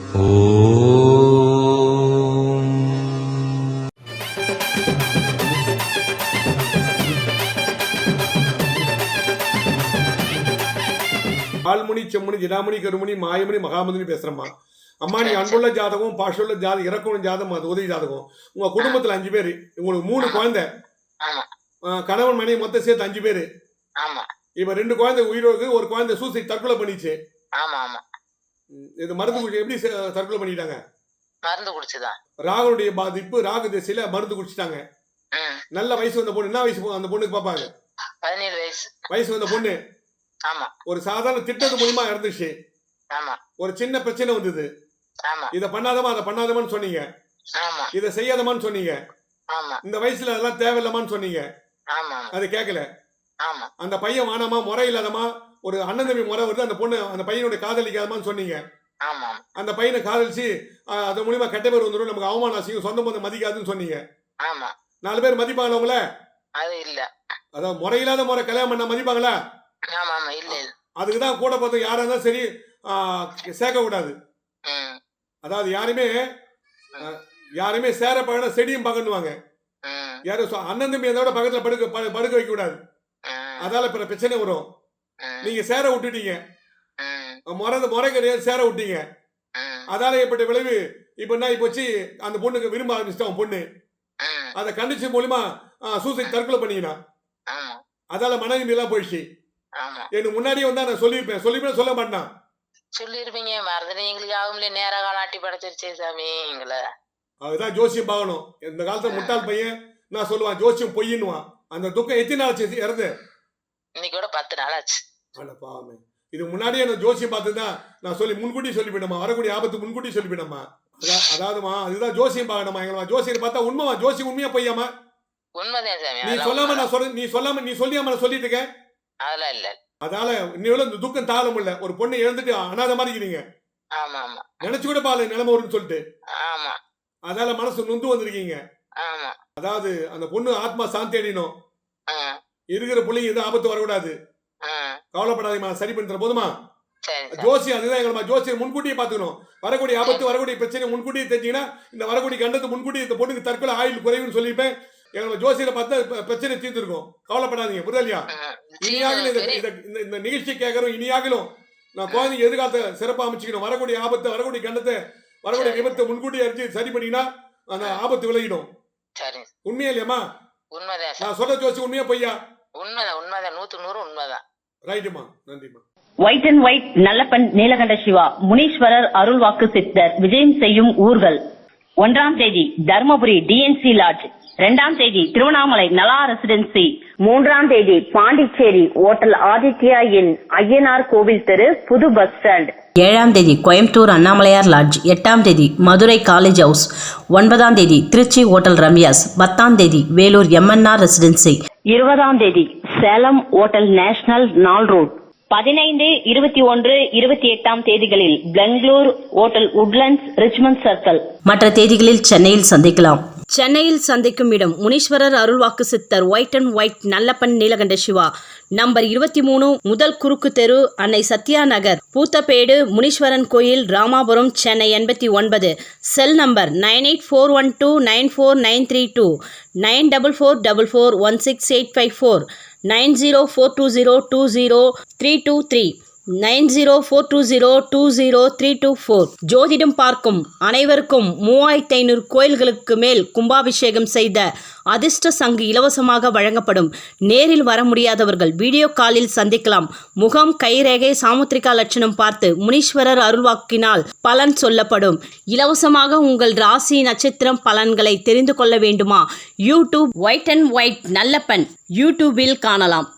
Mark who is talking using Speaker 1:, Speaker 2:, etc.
Speaker 1: ஆள்முனி செம்முனி ஜிடாமணி கருமணி மாயமணி மகாமணி பேசுறம்மா. அம்மா நீ அன்புள்ள ஜாதகம், பாஷுள்ள ஜாதகம், இறக்குள்ள ஜாதகம், அது உதவி ஜாதகம். உங்க குடும்பத்துல 5 பேரு, உங்களுக்கு 3 குழந்தை, கணவன் மனைவி மொத்தம் சேர்த்து 5 பேரு. இப்ப 2 குழந்தை உயிரோடு, ஒரு குழந்தை சூசைட் தற்கொலை பண்ணிச்சு. இது மருந்து குடிச்சு எப்படி தற்கொலை பண்ணிட்டாங்க?
Speaker 2: மருந்து குடிச்சுதான்.
Speaker 1: ராகுனுடைய பாதிப்பு, ராகு திசையில மருந்து குடிச்சிட்டாங்க. நல்ல வயசு வந்த பொண்ணு. என்ன வயசு அந்த பொண்ணுக்கு பாப்பாங்க?
Speaker 2: 17 வயசு
Speaker 1: வயசு வந்த பொண்ணு. ஒரு சாதாரண திட்டத்து மூலமா இறந்துச்சு. ஒரு சின்ன பிரச்சனை வந்தது. இத பண்ணாதமா அதை பண்ணாதமான்னு சொன்னீங்க, இத செய்யாதமான்னு சொன்னீங்க. இந்த வயசுல அதெல்லாம் தேவையில்லமான்னு சொன்னீங்க. அது கேட்கல. அந்த பையன் வானாமா, முறை இல்லாதமா, ஒரு அண்ணன் தம்பி முறை வருது, அந்த பொண்ணு அந்த பையனுடைய காதலிக்காதமான்னு சொன்னீங்க. அந்த பையனை காதலிச்சு அது மூலியமா கெட்ட பேர் வந்துடும், நமக்கு அவமானம் செய்யும், சொந்த பந்தம் மதிக்காதுன்னு சொன்னீங்க. 4 பேர் மதிப்பாங்களா உங்கள?
Speaker 2: அது இல்ல.
Speaker 1: அதாவது முறையில்லாத முறை கல்யாணம் பண்ண மதிப்பாங்களா? அதுக்குதான் கூட பார்த்து யாரா இருந்தாலும் சரி சேர்க்க கூடாது. அதாவது யாருமே சேர பழன செடியும் பகன்னுவாங்க. யாரும் அண்ணன் தம்பி அதோட பக்கத்துல படுக்க வைக்க கூடாது. அதால பிரச்சனை வரும். நீங்க சேர விட்டுட்டீங்க, முறை கிடையாது, சேர விட்டீங்க. அதால ஏற்பட்ட விளைவு இப்ப என்ன போச்சு, அந்த பொண்ணுக்கு விரும்ப ஆரம்பிச்சிட்டான் பொண்ணு. அதை கண்டிச்சு மூலியமா சூசைட் தற்கொலை பண்ணினா. அதால மனைவி எல்லாம் போயிடுச்சு. எனக்கு முன்னாடியே வந்தா நான் சொல்லிருப்பேன் சொல்ல மாட்டான்.
Speaker 2: சொல்லிருப்பீங்க, மறந்துட்டு எங்களுக்கு ஆகும்ல, நேர காலாட்டி படைச்சிருச்சே சாமி எங்களை. அதுதான்
Speaker 1: ஜோசியம் பார்க்கணும். இந்த காலத்துல முட்டாள் பையன் நான் சொல்லுவான் ஜோசியம் பொய்யின்னுவான். அந்த துக்கம் எத்தனை நாள் ஆச்சு இறந்து?
Speaker 2: இன்னைக்கு கூட 10 நாள் ஆச்சு.
Speaker 1: பாவமே. இது முன்னாடியே நான் ஜோசியம் பார்த்துதான் நான் சொல்லி முன்கூட்டி சொல்லிவிடமா, வரக்கூடிய ஆபத்து முன்கூட்டி சொல்லிவிடமா. அதாவதுமா அதுதான் ஜோசியம் பார்க்கணுமா. எங்களா ஜோசியம் பார்த்தா உண்மைமா, ஜோசியம் உண்மையா பொய்யாமா?
Speaker 2: உண்மைதான் சாமி.
Speaker 1: நீ சொல்லாம நான் சொல்றேன், நீ சொல்லியாம நான் சொல்லிட்டு இருக்கேன்.
Speaker 2: அதெல்லாம் இல்ல.
Speaker 1: அதால இன்னும் இந்த துக்கம் தாழ முடியல. ஒரு பொண்ணை இழந்துட்டு அனாத மாதிரி இருக்கீங்க. நினைச்சு கூட பாரு நிலைமை வரும்னு சொல்லிட்டு. அதால மனசு நொந்து வந்திருக்கீங்க. அதாவது அந்த பொண்ணு ஆத்மா சாந்தி அடையணும். இருக்கிற பிள்ளைங்க எதுவும் ஆபத்து வரக்கூடாது. கவலைப்படாதீங்க, சரி பண்ணி தர போதுமா? ஜோசியம் அதுதான் எங்களமா. ஜோசியம் முன்கூட்டியே பாத்துக்கணும். வரக்கூடிய ஆபத்து, வரக்கூடிய பிரச்சனை முன்கூட்டியே தெரிஞ்சீங்கன்னா, இந்த வரக்கூடிய கண்டத்து முன்கூட்டி இந்த பொண்ணுக்கு தற்கொலை ஆயுள் குறைவுன்னு சொல்லியிருப்பேன். எங்களை ஜோசியில பார்த்தா பிரச்சனை தீர்ந்துருக்கும். கவலைப்படாதீங்க, புரியலையா? இனியாகலும் இந்த நிகழ்ச்சி கேட்கறோம். இனியாகலும் நான் குழந்தைங்க எதிர்காலத்தை சிறப்பாக அமைச்சுக்கணும். வரக்கூடிய ஆபத்தை, வரக்கூடிய கண்டத்தை, வரக்கூடிய விபத்தை முன்கூட்டி அறிஞ்சு சரி பண்ணினா அந்த ஆபத்து விலகிடும். உண்மையா இல்லையாமா? நான் சொல்ற ஜோசி உண்மையா பொய்யா?
Speaker 2: உண்மைதான், 100க்கு 100 உண்மைதான்.
Speaker 1: ரைட்டுமா, நன்றிமா.
Speaker 3: White and white Nallappan Neelakanda Shiva Muneeswarar அருள்வாக்கு சித்தர் விஜயம் செய்யும் ஊர்கள். 1ஆம் தேதி தர்மபுரி டிஎன்சி லாட்ஜ், 2ஆம் தேதி திருவண்ணாமலை நலா ரெசிடென்சி, 3ஆம் தேதி பாண்டிச்சேரி ஓட்டல் ஆதித்யா இன் ஐயனார் கோவில் தெரு புது பஸ் ஸ்டாண்ட்,
Speaker 4: 7ஆம் தேதி கோயம்புத்தூர் அண்ணாமலையார் லாட்ஜ், 8ஆம் தேதி மதுரை காலேஜ் ஹவுஸ், 9ஆம் தேதி திருச்சி ஓட்டல் ரம்யாஸ், 10ஆம் தேதி வேலூர் எம்என்ஆர் ரெசிடென்சி,
Speaker 3: 20ஆம் தேதி சேலம் ஓட்டல் நேஷனல் நாள் ரோட், 15, 21, 28ஆம் தேதிகளில் Bangalore hotel Woodlands Richmond circle.
Speaker 4: மற்ற தேதிகளில் சென்னையில் சந்திக்கலாம்.
Speaker 5: சென்னையில் சந்திக்கும் இடம் முனீஸ்வரர் அருள்வாக்கு சித்தர் white and white Nallappan Neelakanda Siva, number 23, முதல் குறுக்கு தெரு, அன்னை சத்யா நகர், பூத்தப்பேடு, முனீஸ்வரன் கோயில், ராமாபுரம், சென்னை 89. Cell number 9841294932, 9444416854, 9042020323, 9042020324. ஜோதிடம் பார்க்கும் அனைவருக்கும் 3500 கோயில்களுக்கு மேல் கும்பாபிஷேகம் செய்த அதிர்ஷ்ட சங்கு இலவசமாக வழங்கப்படும். நேரில் வர முடியாதவர்கள் வீடியோ காலில் சந்திக்கலாம். முகம், கைரேகை, சாமுத்திரிகா லட்சணம் பார்த்து முனீஸ்வரர் அருள்வாக்கினால் பலன் சொல்லப்படும். இலவசமாக உங்கள் ராசி நட்சத்திரம் பலன்களை தெரிந்து கொள்ள வேண்டுமா? YouTube white and white Nallappan யூடியூபில் காணலாம்.